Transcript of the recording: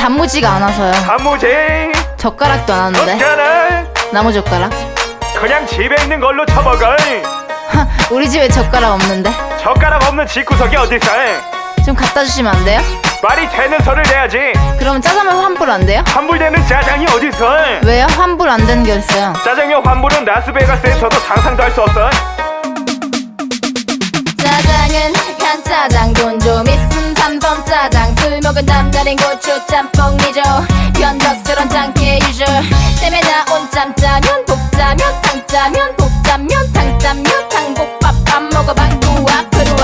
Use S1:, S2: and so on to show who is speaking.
S1: 단무지가 안 와서요.
S2: 단무지
S1: 젓가락도 안 왔는데.
S2: 젓가락
S1: 나무 젓가락?
S2: 그냥 집에 있는 걸로 쳐먹어.
S1: 우리 집에 젓가락 없는데.
S2: 젓가락 없는 집구석이 어딨어.
S1: 좀 갖다 주시면 안 돼요?
S2: 말이 되는 소리를 내야지.
S1: 그러면 짜장면 환불 안 돼요?
S2: 환불되는 짜장이 어딨어.
S1: 왜요? 환불 안 되는 게 있어요.
S2: 짜장면 환불은 라스베가스에서도 상상도 할 수 없어.
S1: 짜장은 간짜장 돈 좀 있음 3선 짜장 술 먹은 남다른 고추 짬뽕 미조 변덕스런 짱깨 유저 땜에 나온 짬짜면 복짜면 탕짜면 복짜면 탕짜면 탕복밥 밥 먹어봐 우와 그루